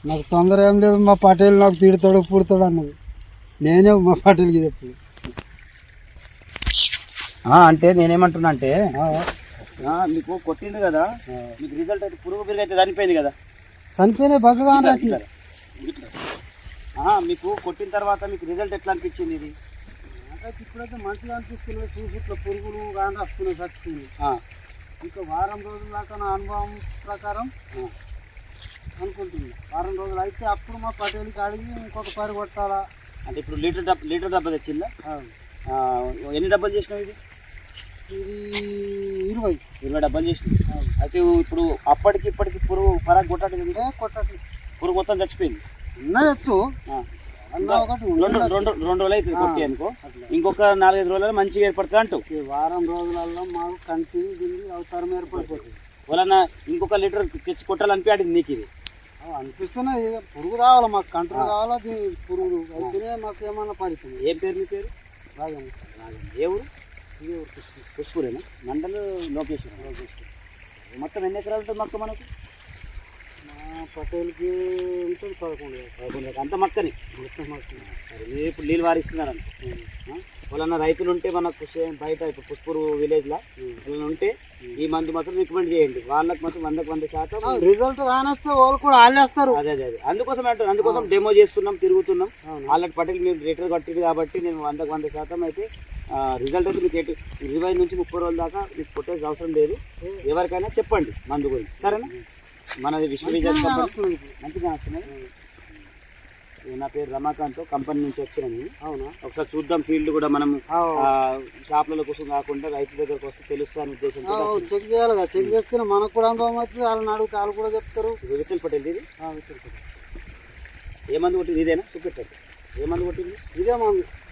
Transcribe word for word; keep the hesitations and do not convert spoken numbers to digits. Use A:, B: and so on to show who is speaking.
A: నాకు తొందర ఏం లేదు, మా పటేల్ నాకు తిడతాడు పుడతాడు అన్నది. నేనే మా పటేల్కి చెప్పాను.
B: అంటే నేనేమంటున్నా అంటే మీకు కొట్టింది కదా, మీకు రిజల్ట్ అయితే పురుగు పెరుగు అయితే చనిపోయింది కదా.
A: చనిపోయినా బగ్గగా
B: మీకు కొట్టిన తర్వాత మీకు రిజల్ట్ ఎట్లా అనిపించింది? ఇది
A: ఇప్పుడైతే మంచిగా అనిపిస్తున్నాయి. చూసి ఇట్లా పురుగులు కానీ వస్తున్నాయి, చచ్చిపోయినాయి. ఇంకా వారం రోజుల దాకా నా అనుభవం ప్రకారం అనుకుంటుంది. వారం రోజులు అయితే అప్పుడు మా పటేల్కి అడిగి ఇంకొక పరి కొట్టాలా
B: అంటే ఇప్పుడు లీటర్ డబ్బా లీటర్ డబ్బా తెచ్చిందా? ఎన్ని డబ్బాలు చేసినావు? ఇది
A: ఇది ఇరవై
B: ఇరవై డబ్బాలు చేసినావు. అయితే ఇప్పుడు అప్పటికి ఇప్పటికి పురుగు పరాకు కొట్టట్లేదు.
A: కొట్టట్లేదు,
B: పురుగు మొత్తం చచ్చిపోయింది.
A: ఉన్నాయచ్చు
B: రెండు రెండు రెండు రోజులు అవుతుంది కొట్టి అనుకో, ఇంకొక నాలుగైదు రోజులలో మంచిగా ఏర్పడుతుంది అంటావు.
A: వారం రోజులలో మాకు కంటి దీనికి అవసరం ఏర్పడిపోతుంది.
B: వాళ్ళన్న ఇంకొక లీటర్ తెచ్చి కొట్టాలనిపించింది నీకు? ఇది
A: అనిపిస్తున్నాయి. పురుగు రావాలి, మాకు కంట్రోల్ కావాలా. దీని పురుగు అయితేనే మాకు ఏమన్నా పరిస్థితి.
B: ఏం పేరు మీ పేరు?
A: రాజన్న.
B: రాజన్న. ఏ ఊరు?
A: ఇదే ఊరు పుష్పూరు.
B: పుష్పూరేనా? మండలు లోకేశ్వర. లోకేశ్వర. మొత్తం ఎన్ని ఎకరాలు ఉంటుంది మొత్తం మనకు?
A: మా పటేల్కి ఉంటుంది పదకొండు
B: పదకొండు అంత మక్కని
A: మొత్తం మక్కని.
B: సరే, మీరు ఇప్పుడు నీళ్ళు వారిస్తున్నారంట. వాళ్ళన్న రైతులు ఉంటే మనకు బయట ఇప్పుడు పుష్పూరు విలేజ్లో వాళ్ళని ఉంటే ఈ మందు మాత్రం రికమెండ్ చేయండి. వాళ్ళకి మాత్రం వందకు వంద శాతం
A: రిజల్ట్ కానొస్తే వాళ్ళు కూడా ఆలేస్తారు.
B: అదే అదే అదే అందుకోసం అంటే అందుకోసం డెమో చేస్తున్నాం, తిరుగుతున్నాం. వాళ్ళకి పటేల్ మీరు లీటర్ కట్టింది కాబట్టి నేను వందకు వంద శాతం అయితే రిజల్ట్ అయితే మీకు ఎటు ఇరవై నుంచి ముప్పై రోజుల దాకా మీకు కొట్టేసి అవసరం లేదు. ఎవరికైనా చెప్పండి మందు గురించి, సరేనా? మనది విశ్వవిద్యాలయం మంచిగా వస్తున్నాయి. నా పేరు రమాకాంత్, కంపెనీ నుంచి వచ్చినాను.
A: అవునా?
B: ఒకసారి చూద్దాం ఫీల్డ్ కూడా మనం షాప్లలో కోసం కాకుండా రైతుల దగ్గరకు వస్తే తెలుస్తా అనే ఉద్దేశంతో
A: చెక్ చేయాలి కదా. చెక్ చేస్తే మనకు కూడా అనుభవం అవుతుంది. వాళ్ళని అడిగితే వాళ్ళు కూడా చెప్తారు.
B: విఠల్ పటేల్ ఇది
A: విఠల్ పటేల్.
B: ఏ మందు కొట్టింది? ఇదేనా చూపెట్టారు. ఏ మందు కొట్టింది?
A: ఇదే మందు.